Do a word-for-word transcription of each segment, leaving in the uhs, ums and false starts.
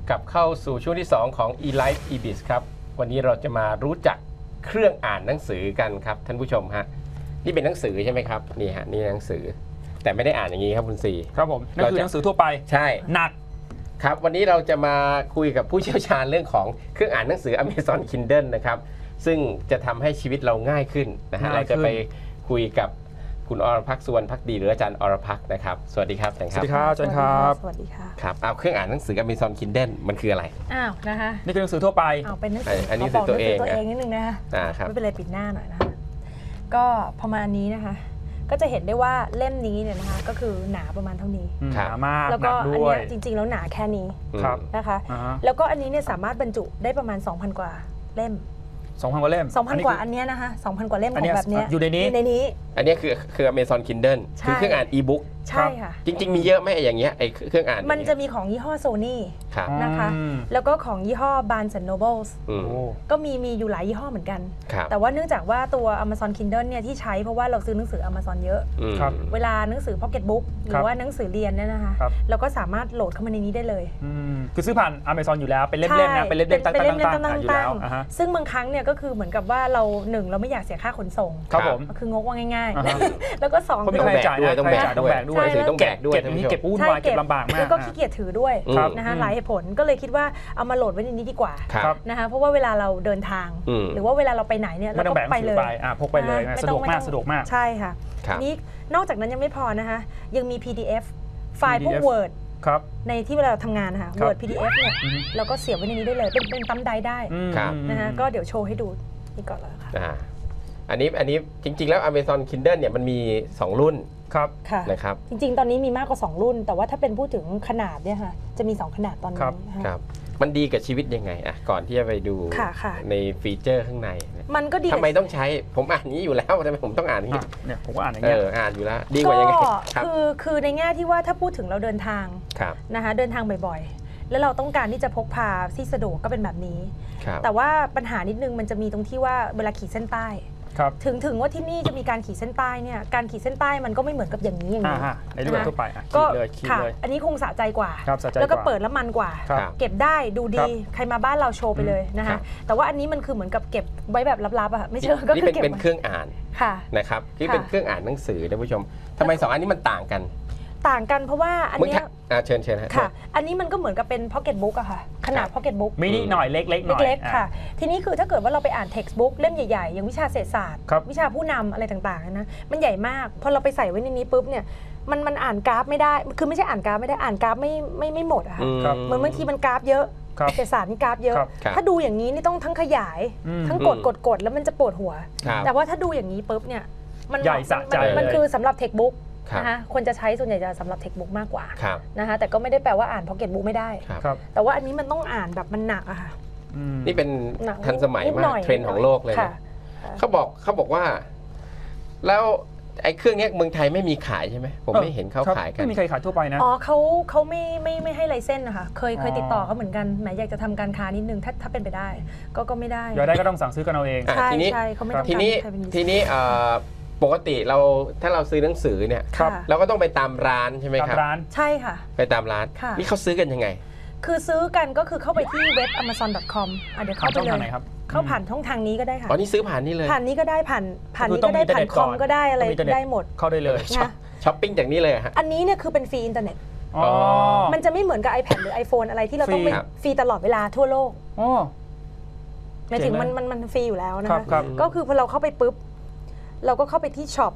กลับเข้าสู่ช่วงที่สองของ eLife eBiz ครับวันนี้เราจะมารู้จักเครื่องอ่านหนังสือกันครับท่านผู้ชมฮะนี่เป็นหนังสือใช่ไหมครับนี่ฮะนี่หนังสือแต่ไม่ได้อ่านอย่างนี้ครับคุณซีครับผมนั่นคือหนังสือทั่วไปใช่หนักครับวันนี้เราจะมาคุยกับผู้เชี่ยวชาญเรื่องของเครื่องอ่านหนังสือ Amazon Kindle นะครับซึ่งจะทำให้ชีวิตเราง่ายขึ้นนะฮะเราจะไปคุยกับคุณอรพักษ์สุวรรณภักดีหรืออาจารย์อรพักษ์นะครับสวัสดีครับอาจารย์ครับสวัสดีครับอาจารย์ครับสวัสดีค่ะครับเอาเครื่องอ่านหนังสือ Amazon Kindle มันคืออะไรอ้าวนะคะนี่คือหนังสือทั่วไปอ้าวเป็นหนังสืออันนี้คือตัวเองตัวเองนิดนึงนะคะอ่าครับไม่เป็นไรปิดหน้าหน่อยนะคะก็ประมาณนี้นะคะก็จะเห็นได้ว่าเล่มนี้เนี่ยนะคะก็คือหนาประมาณเท่านี้หนามากแล้วก็อันนี้จริงๆแล้วหนาแค่นี้นะคะแล้วก็อันนี้เนี่ยสามารถบรรจุได้ประมาณ สองพัน กว่าเล่มสองพัน กว่าเล่มสองพัน กว่าอันนี้นะคะ สองพัน กว่าเล่มของแบบนี้อยู่ในนี้ในนี้อันนี้คือคือ Amazon Kindle คือเครื่องอ่าน e-book ใช่ค่ะจริงๆมีเยอะไหมอย่างเงี้ยไอ้เครื่องอ่านมันจะมีของยี่ห้อ Sony นะคะแล้วก็ของยี่ห้อ Barnes and Noble ก็มีมีอยู่หลายยี่ห้อเหมือนกันแต่ว่าเนื่องจากว่าตัว Amazon Kindle เนี่ยที่ใช้เพราะว่าเราซื้อหนังสือ Amazon เยอะเวลาหนังสือ Pocket Book หรือว่าหนังสือเรียนเนี่ยนะคะเราก็สามารถโหลดเข้ามาในนี้ได้เลยคือซื้อผ่าน Amazon อยู่แล้วเป็นเล่มๆนะเป็นเล่มๆตั้งๆอยู่แล้วซึ่งบางครั้งเนี่ยก็คือเหมือนกับว่าเราหนึ่งเราไม่อยากเสียค่าขนส่งครับผมคืองกว่าง่ายๆแล้วก็สองต้องแบกด้วยต้องแบกต้องแบกด้วยต้องแบกด้วยเก็บนี้เก็บวุ่นวายเก็บลำบากมากแล้วก็ขี้เกียจถือด้วยนะคะหลายเหตุผลก็เลยคิดว่าเอามาโหลดไว้ในนี้ดีกว่านะคะเพราะว่าเวลาเราเดินทางหรือว่าเวลาเราไปไหนเนี่ยเราก็ไปเลยพกไปเลยสะดวกมากสะดวกมากใช่ค่ะนี้นอกจากนั้นยังไม่พอนะคะยังมี พี ดี เอฟ ไฟล์พวก Word ในที่เวลาเราทำงานนะคะ Word พี ดี เอฟ เนี่ยเราก็เสียบไว้ในนี้ได้เลยเป็นเป็นปั๊มไดได้นะคะก็เดี๋ยวโชว์ให้ดูนี่ก่อนเลยค่ะอันนี้อันนี้จริงๆแล้ว Amazon Kindle เนี่ยมันมีสองรุ่นครับนะครับจริงๆตอนนี้มีมากกว่าสองรุ่นแต่ว่าถ้าเป็นพูดถึงขนาดเนี่ยค่ะจะมีสองขนาดตอนนี้ครับมันดีกับชีวิตยังไงอ่ะก่อนที่จะไปดูในฟีเจอร์ข้างในมันก็ดีทำไมต้องใช้ผมอ่านนี้อยู่แล้วทำไมผมต้องอ่านนี้เนี่ยผมก็อ่านอย่างเงี้ยเอออ่านอยู่แล้วดีกว่ายังไงคือคือในแง่ที่ว่าถ้าพูดถึงเราเดินทางนะคะเดินทางบ่อยๆแล้วเราต้องการที่จะพกพาที่สะดวกก็เป็นแบบนี้แต่ว่าปัญหานิดนึงมันจะมีตรงที่ว่าเวลาขีดเส้นใต้ถึงถึงว่าที่นี่จะมีการขีดเส้นใต้เนี่ยการขีดเส้นใต้มันก็ไม่เหมือนกับอย่างนี้อย่างนี้ในรูปแบบทั่วไปก็ค่ะอันนี้คงสะใจกว่าแล้วก็เปิดแล้วมันกว่าเก็บได้ดูดีใครมาบ้านเราโชว์ไปเลยนะคะแต่ว่าอันนี้มันคือเหมือนกับเก็บไว้แบบลับๆอ่ะไม่เชื่อก็คือเก็บเป็นเครื่องอ่านนะครับที่เป็นเครื่องอ่านหนังสือท่านผู้ชมทำไมสองอันนี้มันต่างกันต่างกันเพราะว่าอันนี้เชิญเชิญค่ะอันนี้มันก็เหมือนกับเป็น Pocket Book อะค่ะขนาด Pocket Book มินิหน่อยเล็กๆหน่อยเล็กๆค่ะทีนี้คือถ้าเกิดว่าเราไปอ่าน Textbook เล่มใหญ่ๆอย่างวิชาเศรษฐศาสตร์วิชาผู้นำอะไรต่างๆนะมันใหญ่มากพอเราไปใส่ไว้ในนี้ปุ๊บเนี่ยมันมันอ่านกราฟไม่ได้คือไม่ใช่อ่านกราฟไม่ได้อ่านกราฟไม่ไม่ไม่หมดอะค่ะเหมือนบางทีมันกราฟเยอะเศรษฐศาสตร์นี่กราฟเยอะถ้าดูอย่างนี้นี่ต้องทั้งขยายทั้งกดกดกดแล้วมันจะปวดหัวแต่ว่าถ้าดูอย่างนี้ปุ๊บเนี่ยมันใหญ่สะใจมันคือสำหรับ Textbookนะคะคนจะใช้ส่วนใหญ่จะสำหรับเทคบุ๊กมากกว่านะคะแต่ก็ไม่ได้แปลว่าอ่านพ็อกเก็ตบุ๊กไม่ได้แต่ว่าอันนี้มันต้องอ่านแบบมันหนักอะค่ะนี่เป็นทันสมัยมากเทรนด์ของโลกเลยนะเขาบอกเขาบอกว่าแล้วไอ้เครื่องนี้เมืองไทยไม่มีขายใช่ไหมผมไม่เห็นเขาขายกันไม่มีใครขายทั่วไปนะอ๋อเขาเขาไม่ไม่ไม่ให้ไลเซนส์นะคะเคยเคยติดต่อเขาเหมือนกันแหมอยากจะทำการค้านิดนึงถ้าถ้าเป็นไปได้ก็ก็ไม่ได้อยากได้ก็ต้องสั่งซื้อกันเอาเองใช่ใช่เขาไม่ต้องทีนี้ทีนี้ปกติเราถ้าเราซื้อหนังสือเนี่ยเราก็ต้องไปตามร้านใช่ไหมครับร้านใช่ค่ะไปตามร้านนี่เขาซื้อกันยังไงคือซื้อกันก็คือเข้าไปที่เว็บ amazon ดอท คอม อ่ะเดี๋ยวเข้าไปเลยเข้าผ่านช่องทางนี้ก็ได้ค่ะอ๋อนี่ซื้อผ่านนี่เลยผ่านนี้ก็ได้ผ่านผ่านนี้ก็ได้ผ่านคอมก็ได้อะไรได้หมดเข้าได้เลยช้อปปิ้งจากนี้เลยฮะอันนี้เนี่ยคือเป็นฟรีอินเทอร์เน็ตมันจะไม่เหมือนกับ iPad หรือ iPhone อะไรที่เราต้องไปฟรีตลอดเวลาทั่วโลกหมายถึงมันมันมันฟรีอยู่แล้วนะคะก็คือพอเราเข้าไปปุ๊บเราก็เข้าไปที่ช็อป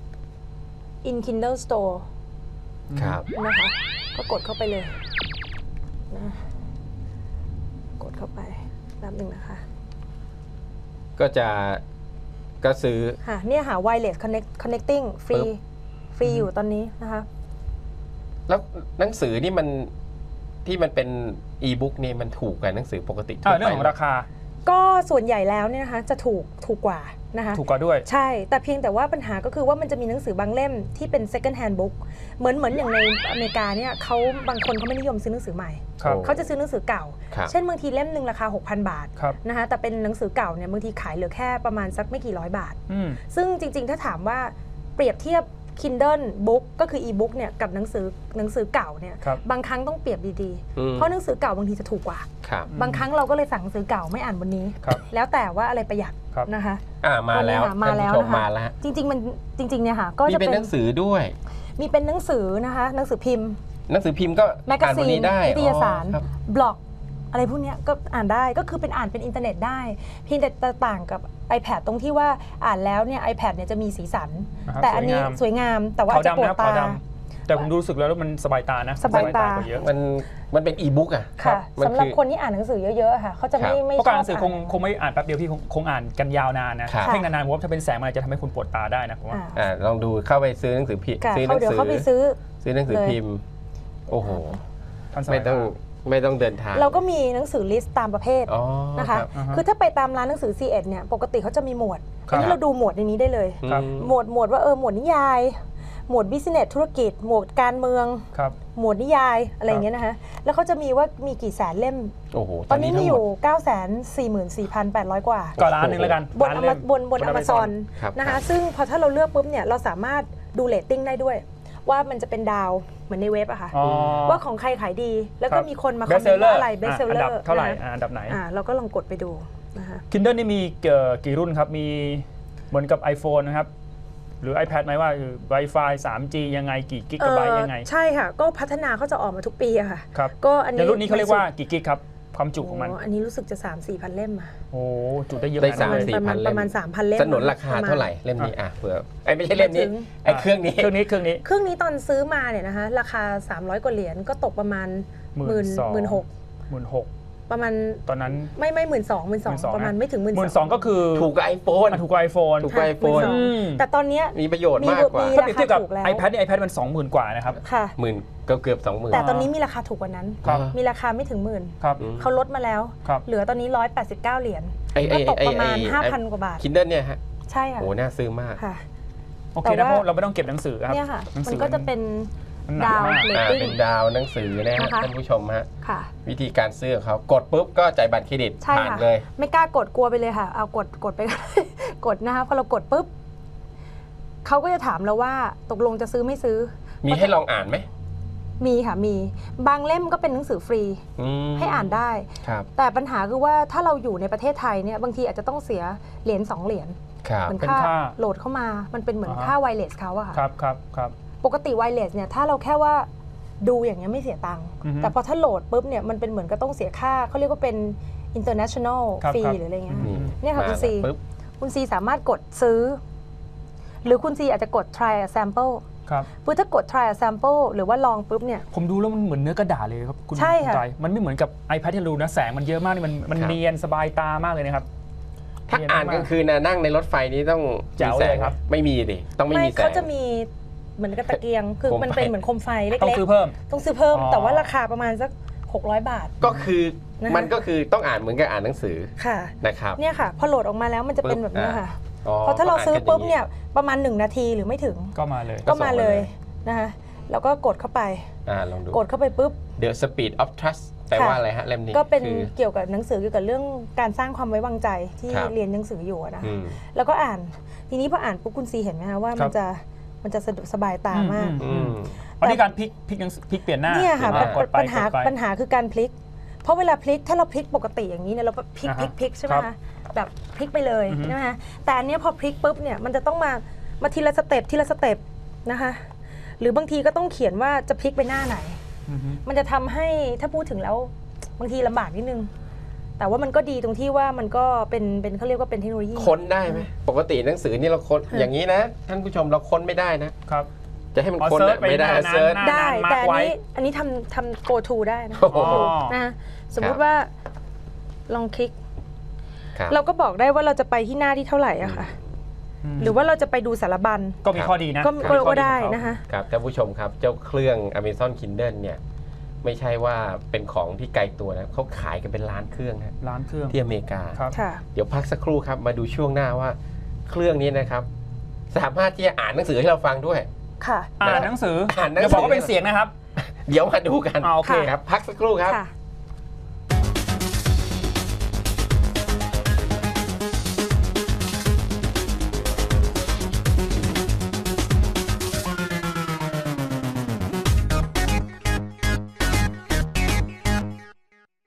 in Kindle Store ครับนะคะก็กดเข้าไปเลยนะกดเข้าไปแป๊บนึงนะคะก็จะก็ซื้อค่ะเนี่ยหา wireless connect connecting ฟรีฟรีอยู่ตอนนี้นะคะแล้วหนังสือนี่มันที่มันเป็น e-book นี่มันถูกกว่าหนังสือปกติทั่วไปเรื่องของราคาก็ส่วนใหญ่แล้วเนี่ยนะคะจะถูกถูกกว่านะคะถูกกว่าด้วยใช่แต่เพียงแต่ว่าปัญหาก็คือว่ามันจะมีหนังสือบางเล่มที่เป็น second hand book เหมือนเหมือนอย่างในอเมริกาเนี่ยเขาบางคนเขาไม่นิยมซื้อหนังสือใหม่เขาจะซื้อหนังสือเก่าเช่นบางทีเล่มหนึ่งราคา หกพัน บาทนะคะแต่เป็นหนังสือเก่าเนี่ยบางทีขายเหลือแค่ประมาณสักไม่กี่ร้อยบาทซึ่งจริงๆถ้าถามว่าเปรียบเทียบ Kindle Book ก็คือ e-book เนี่ยกับหนังสือหนังสือเก่าเนี่ยครับบางครั้งต้องเปรียบดีอืมๆ เพราะหนังสือเก่าบางทีจะถูกกว่าครับบางครั้งเราก็เลยสั่งหนังสือเก่าไม่อ่านวันนี้ครับแล้วแต่ว่าอะไรประหยัดครับนะคะอ่ามาแล้ววันนี้ค่ะมาแล้วท่นผู้ชนะคะมาแล้วจริงๆมันจริงๆเนี่ยค่ะก็มีจะเป็นเป็นหนังสือด้วยมีเป็นหนังสือนะคะหนังสือพิมพ์หนังสือพิมพ์ก็แมกกาอ่านซีวันนนี้ได้นิตยสารอ๋อครับบล็อกอะไรพวกเนี้ยก็อ่านได้ก็คือเป็นอ่านเป็นอินเทอร์เน็ตได้เพียงแต่ต่างกับ iPad ตรงที่ว่าอ่านแล้วเนี่ย iPad เนี่ยจะมีสีสันนะครับแต่อันนี้สวยงามแต่ว่าขาวจะปดำวดนะครับตาขาวดำแต่ผมดูรู้สึกแล้วมันสบายตานะสบายตากว่าเยอะมันมันเป็นอีบุ๊กอ่ะค่ะมันสำหรับคือคนที่อ่านหนังสือเยอะๆค่ะเขาจะไม่ครับไม่เพราะชการอบหนังสือคงอ่านคงไม่อ่านแป๊บเดียวพี่คงคงอ่านกันยาวนานนะครับ เพ่งนานๆผมว่าถ้าเป็นแสงมันอาจจะทำให้คุณปวดตาได้นะผมว่าอ่าอ่าลองดูเข้าไปซื้อหนังสือพิมพ์ค่ะซื้อหเขานังเดี๋ยวสือเขาไปซื้อซื้อหนังสือเลยพิมพ์ โอ้โหทันสมัไม่ยต้องไม่ต้องเดินทางเราก็มีหนังสือลิสต์ตามประเภทอ๋อนะคะรับอ่าฮะคือถ้าไปตามร้านหนังสือ ซี เอ็ด เนี่ยปกติเขาจะมีหมวดครัอับนนี้เราดูหมวดในนี้ได้เลยครับอืมหมวดหมวดว่าเออหมวดนิยาย หมวดบิสเนสธุรกิจ หมวดการเมืองครับหมวดนิยายอะไรอย่างเงี้ยนะคะแล้วเขาจะมีว่ามีกี่แสนเล่มโอ้โหตอนนี้มีทั้งอหยู่ เก้าแสนสี่หมื่นสี่พันแปดร้อย กว่าก็ร้านหนึ่งแล้วกันบนร้าอเล่มาม บนบนอเมซอนครับนะครัคะบซึ่งพอถ้าเราเลือกปุ๊บเนี่ยเราสามารถดูเรตติ้งได้ด้วย ว่ามันจะเป็นดาวเหมือนในเว็บอะค่ะอ๋อว่าของใครขายดี แล้วคก็รับมีคนมาคอม Best เมนต์ว่า seller อะไรเบสเซลเลออันดับร์เท่าไหร่อ่าอันดับไหนอ่าเราก็ลองกดไปดูนะคะ Kindle นี่มีเอ่อกี่รุ่นครับ มีเหมือนกับ iPhone นะครับ หรือ iPad ไหมว่าคือ Wi-Fi ทรี จี ยังไงกี่กิกะไบต์ยังไงใช่ค่ะ ก็พัฒนาเขาจะออกมาทุกปีอะค่ะครับก็อันนี้ในรุ่นนี้เขาเรียกว่ากี่กิกครับ ความจุของมันโอันนี้รู้สึกจะ สามสี่ พันเล่มอะโอ้จุได้เยอะได้ขสามนาดนั้นสี่ประมาณพันเล่มประมาณ 3,000 เล่มสนุนราคาประมณเท่าไหร่เล่มนี้อ่ะเผื่อไอ้ยไม่ใช่เล่มนี้ไม่ถึงไอ้เครื่องนี้เครื่องนี้เครื่องนี้เครื่องนี้ตอนซื้อมาเนี่ยนะคะราคา สามร้อย กว่าเหรียญก็ตกประมาณหมื่นหมื่นหกหมื่นหกประมาณตอนนั้นไม่ไม่หมื่นสองหมื่นสองประมาณไม่ถึงหมื่นหมื่นสองก็คือถูกกับไอโฟนอ่ะถูกกว่า iPhone ถูกกว่า iPhone หมื่นสองแต่ตอนเนี้ยมีประโยชน์มากกว่ามีถ้าเปรียบเทียบกับราคาถูกแล้ว iPad นี่ iPad มันสองหมื่นกว่านะครับค่ะหมื่นเกือบเกือบสองหมื่นแต่ตอนนี้มีราคาถูกกว่านั้นครับมีราคาไม่ถึงหมื่นครับเขาลดมาแล้วครับเหลือตอนนี้หนึ่งร้อยแปดสิบเก้าเหรียญไอ้ไอ้ก็ตกไอ้ประมาณไอ้ห้าพัน กว่าบาทคินเดิลเนี่ยฮะใช่ค่ะโหน่าซื้อมากค่ะโอเคแต่นะว่าเพราะเราไม่ต้องเก็บหนังสือครับเนี่ยค่ะหนังมัสืนอก็จะเป็นมันหนักดาวมากเรตอ่าติ้งเป็นดาวหนังสือนะฮะนะคะท่านผู้ชมฮะค่ะวิธีการซื้อของเขากดปุ๊บก็จ่ายบัตรเครดิตใช่ผ่านค่ะเลยไม่กล้ากดกลัวไปเลยค่ะ เอากดกดไป กดนะคะพอเรากดปุ๊บเขาก็จะถามเราว่าตกลงจะซื้อไม่ซื้อมีให้ลองอ่านไหมมีค่ะมีบางเล่มก็เป็นหนังสือฟรีอืมให้อ่านได้ครับแต่ปัญหาคือว่าถ้าเราอยู่ในประเทศไทยเนี่ยบางทีอาจจะต้องเสียเหรียญสองเหรียญครับเหมือนเป็นค่าค่าโหลดเข้ามามันเป็นเหมือนอ่าฮะค่าไวเลสเขาอะค่ะครับครับครับปกติไวเลสเนี่ยถ้าเราแค่ว่าดูอย่างเงี้ยไม่เสียตังค์อือฮึแต่พอถ้าโหลดปุ๊บเนี่ยมันเป็นเหมือนก็ต้องเสียค่าเขาเรียกว่าเป็น international ครับ fee ครับหรืออะไรเงี้ยอืมเนี่ยค่ะมาคุณซีปุ๊บคุณซีสามารถกดซื้อ หรือคุณซีอาจจะกด try a sample ครับปุ๊บถ้ากด try a sample หรือว่าลองปุ๊บเนี่ยผมดูแล้วมันเหมือนเนื้อกระดาษเลยครับคุณใช่ค่ะณจอยมันไม่เหมือนกับ iPad ที่เราดูนะแสงมันเยอะมากนี่มันมันครับเนียนสบายตามากเลยนะครับถ้าอ่านกลางคืนนะนั่งในรถไฟนี้ต้องแจ๋วมีแสเลงยครับไม่มีดิต้องไม่มีแสงเขาจะมีเหมือนกับตะเกียง คือโคมไฟมันเป็นเหมือนโคมไฟเล็กๆต้องซื้อเพิ่มต้องซื้อเพิ่มอ๋อแต่ว่าราคาประมาณสักหกร้อยบาทก็คือนะคะมันก็คือต้องอ่านเหมือนกับอ่านหนังสือค่ะนะครับเนี่ยค่ะ พอโหลดออกมาแล้วมันจะเป็นปุ๊บแบบนี้ค่ะอ๋อพอถ้าเราซื้อปุ๊บก็เนี่ยประมาณหนึ่งนาทีหรือไม่ถึงก็มาเลยก็ก็ส่งมามาเลเลย ยนะคะแล้วก็กดเข้าไปอ่าลองดูกดเข้าไปปุ๊บ The Speed of Trust แปลว่าอะไรฮะเล่มนี้ก็เป็นคือเกี่ยวกับหนังสือเกี่ยวกับเรื่องการสร้างความไว้วางใจที่ครับเรียนหนังสืออยู่อะนะคะอืมแล้วก็อ่านทีนี้พออ่านปุ๊บคุณซีเห็นไหมคะว่ามันจะมันจะสะดวกสบายตามากอืมอันนี้การพลิกพลิกหนังสือพลิกเปลี่ยนหน้าเนี่ยค่ะเปลี่ยนหน้ากดไปปัญหากดไปปัญหาคือการพลิก เพราะเวลาพลิกถ้าเราพลิกปกติอย่างนี้เนี่ยเราพลิกอ่าพลิฮะกพลิกใช่ไหมครัคะบแบบพลิกไปเลยอือฮึใช่ไหมคะแต่อันเนี้ยพอพลิกปุ๊บเนี่ยมันจะต้องมามาทีละสเต็ปทีละสเต็ปนะคะหรือบางทีก็ต้องเขียนว่าจะพลิกไปหน้าไหนอือฮึมันจะทำให้ถ้าพูดถึงแล้วบางทีลำบากนิดนึง แต่ว่ามันก็ดีตรงที่ว่ามันก็เป็นเป็นเขาเรียกว่าเป็นเทคโนโลยีค้นได้ไหมปกติหนังสือนี่เราค้นอย่างนี้นะ ท่านผู้ชมเราค้นไม่ได้นะครับจะให้มันอ๋อค้นเซิร์อะชไปไม่ได้หน้านั้นเซิร์ชหน้าได้มาร์คแต่อันไว้นี้อันนี้ทำทำ go to ได้นะโอ้โหอ๋อนะสมมุครัติบว่าลองคลิกครับเราก็บอกได้ว่าเราจะไปที่หน้าที่เท่าไหร่อะค่ะ หรือว่าเราจะไปดูสารบัญก็มีข้อดีนะก็มีก็ข้อก็ได้ของเขานะคะครับท่านผู้ชมครับเจ้าเครื่อง Amazon Kindle เนี่ยไม่ใช่ว่าเป็นของที่ไกลตัวนะเขาขายกันเป็นล้านเครื่องนะร้านเครื่องที่อเมริกาครับค่ะเดี๋ยวพักสักครู่ครับมาดูช่วงหน้าว่าเครื่องนี้นะครับ สามารถที่จะอ่านหนังสือให้เราฟังด้วยค่ะอ่านหนังสืออ่านหนังสืออย่าบอกว่าเป็นเสียงนะครับเดี๋ยวมาดูกันอ่าโอเคครับพักสักครู่ครับค่ะ